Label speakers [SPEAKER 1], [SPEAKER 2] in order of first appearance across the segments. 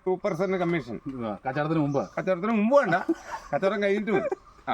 [SPEAKER 1] 2% commission.
[SPEAKER 2] കച്ചവടത്തിന്
[SPEAKER 1] മുമ്പ് വേണ്ട, കച്ചവടം കഴിഞ്ഞിട്ട് മതി.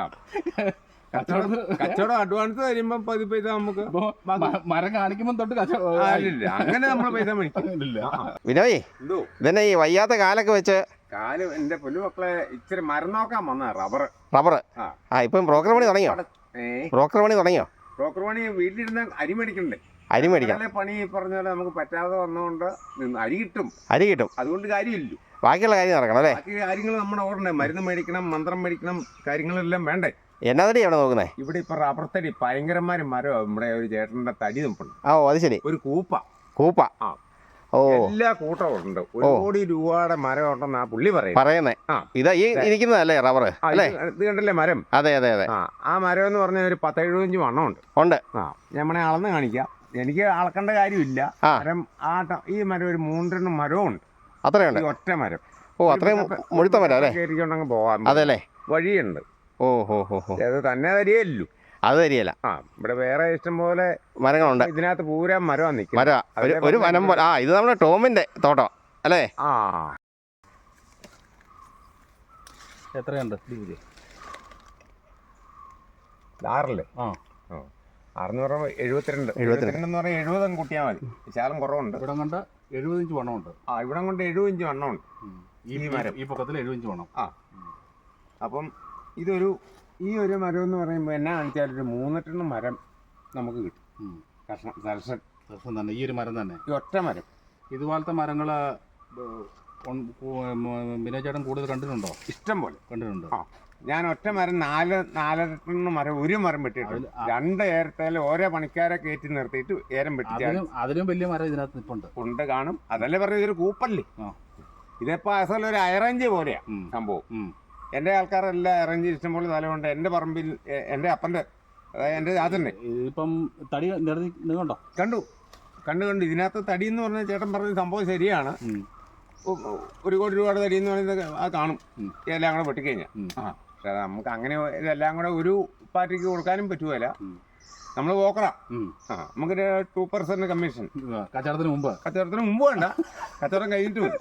[SPEAKER 1] കച്ചവടം അഡ്വാൻസ് തരുമ്പോ പൈസ നമുക്ക്
[SPEAKER 2] മരം കാണിക്കുമ്പോ തൊട്ട്
[SPEAKER 1] ഇല്ല, അങ്ങനെ നമ്മൾ പൈസ മേടിക്കില്ല.
[SPEAKER 3] വിനോയ്, ഇതന്നെ ഈ വയ്യാത്ത കാലൊക്കെ വെച്ച്
[SPEAKER 1] എന്റെ പൊന്നുമക്കളെ ഇച്ചിരി മരം നോക്കാൻ വന്ന റബ്ബർ.
[SPEAKER 3] ഇപ്പം ബ്രോക്കർ പണി തുടങ്ങിയോ? ബ്രോക്കർ
[SPEAKER 1] പണി വീട്ടിലിരുന്ന അരി മേടിക്കണ്ടേ?
[SPEAKER 3] അരി മേടിക്കാം.
[SPEAKER 1] പണി പറഞ്ഞാൽ നമുക്ക് പറ്റാതെ വന്നുകൊണ്ട് അരി കിട്ടും. അതുകൊണ്ട് കാര്യമില്ല.
[SPEAKER 3] ബാക്കിയുള്ള കാര്യം നടക്കണം അല്ലേ?
[SPEAKER 1] ബാക്കി കാര്യങ്ങൾ നമ്മുടെ ഓടണ്ടേ? മരുന്ന് മേടിക്കണം, മന്ത്രം മേടിക്കണം, കാര്യങ്ങളെല്ലാം വേണ്ടേ?
[SPEAKER 3] എന്നാ തടി എവിടെ നോക്കുന്നേ?
[SPEAKER 1] ഇവിടെ ഇപ്പൊ റബ്ബർ തടി ഭയങ്കരമാരും മരം. നമ്മുടെ ഒരു ചേട്ടന്റെ തടി നിൽപ്പുണ്ട്.
[SPEAKER 3] അത് ശരി.
[SPEAKER 1] ഒരു കൂപ്പ. എല്ലാ കൂട്ടവും ഉണ്ട്. 1 കോടി രൂപയുടെ മരം ഉണ്ടെന്ന് ആ പുള്ളി പറയുന്നേ.
[SPEAKER 3] ഇതാ ഈ ഇരിക്കുന്നതല്ലേ റബ്ബർ അല്ലേ?
[SPEAKER 1] ഇത് കണ്ടല്ലേ മരം?
[SPEAKER 3] അതെ.
[SPEAKER 1] ആ മരം എന്ന് പറഞ്ഞാൽ ഒരു 10-70 വണ്ണമുണ്ട്. നമ്മളെ അളന്ന് കാണിക്കാം. എനിക്ക് അളക്കേണ്ട കാര്യമില്ല. മരം ഈ മരം ഒരു 3 മരവും ഉണ്ട്.
[SPEAKER 3] അത്രയുണ്ട്?
[SPEAKER 1] ഒറ്റ മരം.
[SPEAKER 3] അത്രയും മുഴുത്ത മരം അല്ലേ?
[SPEAKER 1] കയറിക്കൊണ്ടങ്ങ് പോകാം.
[SPEAKER 3] അതെല്ലേ?
[SPEAKER 1] വഴിയുണ്ട്. അത് തന്നെ തരികയല്ലോ.
[SPEAKER 3] അത് തരികയില്ല.
[SPEAKER 1] ഇവിടെ വേറെ ഇഷ്ടം പോലെ
[SPEAKER 3] മരങ്ങളുണ്ട്.
[SPEAKER 1] ഇതിനകത്ത് പൂരാ മരം നിൽക്കും.
[SPEAKER 3] ഒരു വനം പോലെ. ഇത് നമ്മുടെ ടോമിന്റെ തോട്ടം അല്ലേ?
[SPEAKER 2] എത്രയുണ്ട്?
[SPEAKER 1] 6 672 എന്ന് പറഞ്ഞാൽ 70 കൂട്ടിയാൽ മതി. വിശാലം കുറവുണ്ട്.
[SPEAKER 2] ഇവിടെ കൊണ്ട് 70 ഇഞ്ച് വണ്ണമുണ്ട്.
[SPEAKER 1] ഇവിടെ കൊണ്ട് 70 ഇഞ്ച് വണ്ണമുണ്ട്.
[SPEAKER 2] ഈ പൊക്കത്തിൽ 70 ഇഞ്ച് വണ്ണം.
[SPEAKER 1] അപ്പം ഈ ഒരു മരം എന്ന് പറയുമ്പോൾ എന്നാ കാണിച്ചാൽ ഒരു 3 മരം നമുക്ക് കിട്ടും. കർഷകൻ
[SPEAKER 2] തന്നെ ഈ ഒരു മരം തന്നെ,
[SPEAKER 1] ഈ ഒറ്റ മരം.
[SPEAKER 2] ഇതുപോലത്തെ മരങ്ങൾ വിനോചേട്ടൻ കൂടുതൽ കണ്ടിട്ടുണ്ടോ?
[SPEAKER 1] ഇഷ്ടം പോലെ
[SPEAKER 2] കണ്ടിട്ടുണ്ട്.
[SPEAKER 1] ഞാൻ ഒറ്റ മരം 4-4 മരം, ഒരു മരം വെട്ടിയിട്ടുണ്ട്. 2 ഏരത്തേൽ ഓരോ പണിക്കാരെ കയറ്റി നിർത്തിയിട്ട് ഏരം വെട്ടിച്ചാൽ
[SPEAKER 2] അതിലും വലിയ മരം ഇതിനകത്ത്
[SPEAKER 1] ഉണ്ട് കാണും. അതല്ലേ പറഞ്ഞ ഇതൊരു കൂപ്പല്ലേ? ഇതിപ്പോ അസൽ ഒരു അറേഞ്ച് പോലെയാ സംഭവം. എൻ്റെ ആൾക്കാരെല്ലാം അറേഞ്ച് ഇഷ്ടംപോലെ സ്ഥലമുണ്ട്. എൻ്റെ പറമ്പിൽ എൻ്റെ അപ്പൻ്റെ, അതായത് എൻ്റെ അതന്നെ
[SPEAKER 2] ഇപ്പം തടി കണ്ടോ?
[SPEAKER 1] കണ്ടു. ഇതിനകത്ത് തടി എന്ന് പറഞ്ഞാൽ ചേട്ടൻ പറഞ്ഞ സംഭവം ശരിയാണ്. 1 കോടി രൂപയുടെ തടി എന്ന് പറയുന്നത് അത് കാണും എല്ലാം കൂടെ വെട്ടിക്കഴിഞ്ഞാൽ. പക്ഷെ നമുക്ക് അങ്ങനെ ഇതെല്ലാം കൂടെ ഒരു പാർട്ടിക്ക് കൊടുക്കാനും പറ്റുമല്ല. നമ്മൾ പോക്കറാം. നമുക്കൊരു 2% കമ്മീഷൻ.
[SPEAKER 2] കച്ചവടത്തിന്
[SPEAKER 1] മുമ്പ് വേണ്ട, കച്ചവടം കഴിഞ്ഞിട്ട് മതി.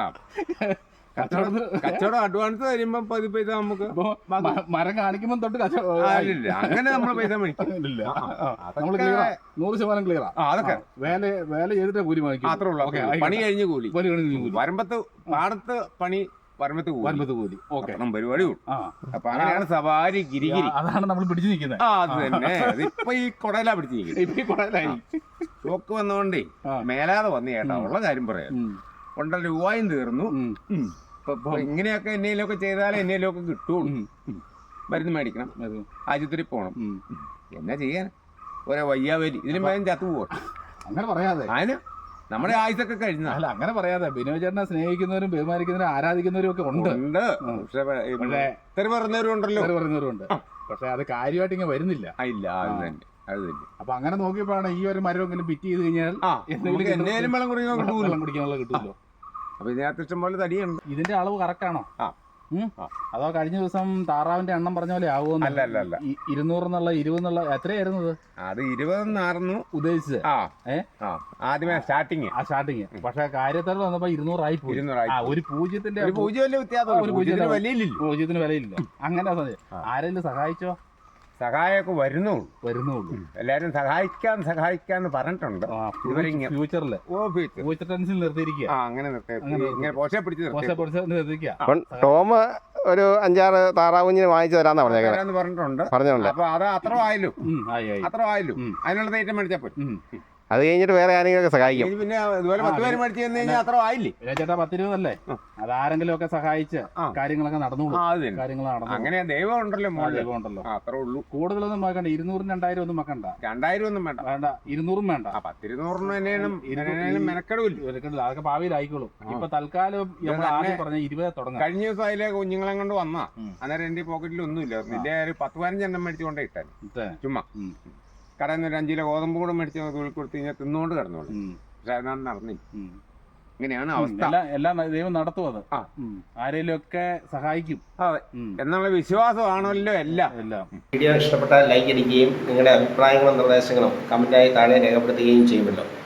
[SPEAKER 1] കച്ചവടം അഡ്വാൻസ് തരുമ്പോ പൈസ നമുക്ക്
[SPEAKER 2] മരം കാണിക്കുമ്പോ തൊട്ട്
[SPEAKER 1] ഇല്ല, അങ്ങനെ നമ്മൾ പൈസ മേടിക്കില്ല.
[SPEAKER 2] 100% ക്ലിയറാ.
[SPEAKER 1] അതൊക്കെ
[SPEAKER 2] വേല ചെയ്തിട്ട് കൂലി വാങ്ങിക്കും.
[SPEAKER 1] മാത്രമേ ഉള്ളൂ. പണി കഴിഞ്ഞ് കൂലി. വരമ്പത്ത് പാടത്ത് പണി, വരമ്പത്ത് കൂലി. പരിപാടി. അപ്പൊ അങ്ങനെയാണ് സവാരി ഗിരിഗിരി.
[SPEAKER 2] അതാണ് നമ്മൾ പിടിച്ചു നിൽക്കുന്നത്.
[SPEAKER 1] അത് തന്നെ. അതിപ്പോ ഈ കൊടയിലാ പിടിച്ചു നിൽക്കുന്നത്. ഷോക്ക് വന്നോണ്ടേ മേലാതെ വന്നു ചേട്ടാ. ഉള്ള കാര്യം പറയാം. 1.5 രൂപയും തീർന്നു. ഇങ്ങനെയൊക്കെ എന്നേലൊക്കെ ചെയ്താലേ എന്നേലൊക്കെ കിട്ടുള്ളൂ. മരുന്ന് മേടിക്കണം, ആശുപത്രി പോകണം. എന്നാ ചെയ്യാൻ? ഓരോ വയ്യാവലി. ഇതിലും വേഗം ചത്തു പോകട്ടെ.
[SPEAKER 2] അങ്ങനെ പറയാതെ
[SPEAKER 1] അതിന് നമ്മുടെ ആയുസൊക്കെ കഴിഞ്ഞ.
[SPEAKER 2] അല്ല, അങ്ങനെ പറയാതെ. ബിനോചേട്ടനെ സ്നേഹിക്കുന്നവരും ബഹുമാനിക്കുന്നവരും ആരാധിക്കുന്നവരും ഒക്കെ ഉണ്ട്.
[SPEAKER 1] പക്ഷെ തെറി പറയുന്നവരും
[SPEAKER 2] ഉണ്ട്. പക്ഷെ അത് കാര്യമായിട്ട് ഇങ്ങനെ വരുന്നില്ല.
[SPEAKER 1] ഇല്ല, അത് തന്നെ.
[SPEAKER 2] അപ്പൊ അങ്ങനെ നോക്കിയപ്പോഴാണ് ഈ ഒരു മരമെങ്കിലും ഫിറ്റ് ചെയ്ത് കഴിഞ്ഞാൽ
[SPEAKER 1] എന്നേലും വെള്ളം
[SPEAKER 2] കുടിക്കാനുള്ള കിട്ടുമല്ലോ.
[SPEAKER 1] അപ്പൊ ഇതിനകത്ത് ഇഷ്ടംപോലെ തടിയുണ്ട്.
[SPEAKER 2] ഇതിന്റെ അളവ് കറക്റ്റ് ആണോ? അതോ കഴിഞ്ഞ ദിവസം താറാവിന്റെ എണ്ണം പറഞ്ഞ പോലെ ആവുമോ?
[SPEAKER 1] അല്ല
[SPEAKER 2] 200 എന്നുള്ള 20 എന്നുള്ള എത്രയായിരുന്നത്?
[SPEAKER 1] അത് 20
[SPEAKER 2] ഉദ്ദേശിച്ചത്
[SPEAKER 1] ആദ്യമേ സ്റ്റാർട്ടിങ്.
[SPEAKER 2] പക്ഷെ കാര്യത്തിൽ വന്നപ്പോ 200 ആയി പോയി. ഒരു പൂജ്യത്തിന്റെ വിലയില്ല. അങ്ങനെ ആരെങ്കിലും സഹായിച്ചോ?
[SPEAKER 1] സഹായമൊക്കെ വരുന്നുള്ളൂ. എല്ലാരും സഹായിക്കാന്ന് പറഞ്ഞിട്ടുണ്ട്.
[SPEAKER 2] ഫ്യൂച്ചറിൽ ഫ്യൂച്ചർ ടെൻസിൽ നിർത്തിയിരിക്കുക.
[SPEAKER 1] അങ്ങനെ നിർത്തിയിരിക്കുക.
[SPEAKER 3] ടോം ഒരു 5-6 താറാവുഞ്ഞിന് വാങ്ങിച്ചു തരാന്ന്
[SPEAKER 1] പറഞ്ഞിട്ടുണ്ട്. അപ്പൊ അത് അത്ര ആയല്ലോ. അതിനുള്ള തേറ്റം മേടിച്ചാൽ പോയി.
[SPEAKER 3] അത് കഴിഞ്ഞിട്ട് വേറെ ആരെങ്കിലും സഹായിക്കും.
[SPEAKER 1] പിന്നെ ഇതുപോലെ 10 പേര് മേടിച്ചു തന്നു കഴിഞ്ഞാൽ അത്ര ആയില്ലേ?
[SPEAKER 2] ചേട്ടാ 10-20 അല്ലേ? അതാരെങ്കിലും ഒക്കെ സഹായിച്ച് കാര്യങ്ങളൊക്കെ നടന്നോളൂ.
[SPEAKER 1] അങ്ങനെ ദൈവം ഉണ്ടല്ലോ. അത്രേ ഉള്ളൂ.
[SPEAKER 2] കൂടുതലൊന്നും വെക്കണ്ട. 200-2000 ഒന്നും വെക്കണ്ട.
[SPEAKER 1] 2000 ഒന്നും വേണ്ട.
[SPEAKER 2] 200 വേണ്ട.
[SPEAKER 1] 10-200 മെനക്കെടില്ല.
[SPEAKER 2] അതൊക്കെ ഭാവിയിലായിക്കോളും. ഇപ്പൊ തൽക്കാലം ആദ്യം പറഞ്ഞ 20 തുടങ്ങാം.
[SPEAKER 1] കഴിഞ്ഞ ദിവസം അതിലെ കുഞ്ഞുങ്ങളെ കൊണ്ട് വന്നാ അന്നേരം എന്റെ പോക്കറ്റിൽ ഒന്നുമില്ല. നിന്റെ ഒരു 10-15 എണ്ണം മേടിച്ചുകൊണ്ടേ ഇട്ടാൻ ചുമ്മാ. കടയിൽ നിന്ന് 5 കിലോ ഗോതമ്പ് കൂടെ മേടിച്ച് തൊഴിൽ കൊടുത്ത് കഴിഞ്ഞാൽ തിന്നുകൊണ്ട് കിടന്നോളൂ. പക്ഷെ അതിനാണ് നടന്നില്ല. ഇങ്ങനെയാണ് അവസ്ഥ.
[SPEAKER 2] എല്ലാം ദൈവം നടത്തും. അത് ആരെങ്കിലും ഒക്കെ സഹായിക്കും
[SPEAKER 1] എന്നുള്ള വിശ്വാസമാണല്ലോ എല്ലാം.
[SPEAKER 3] വീഡിയോ ഇഷ്ടപ്പെട്ടാൽ ലൈക്ക് അടിക്കുകയും നിങ്ങളുടെ അഭിപ്രായങ്ങളും നിർദ്ദേശങ്ങളും കമന്റായി താഴെ രേഖപ്പെടുത്തുകയും ചെയ്യുമല്ലോ.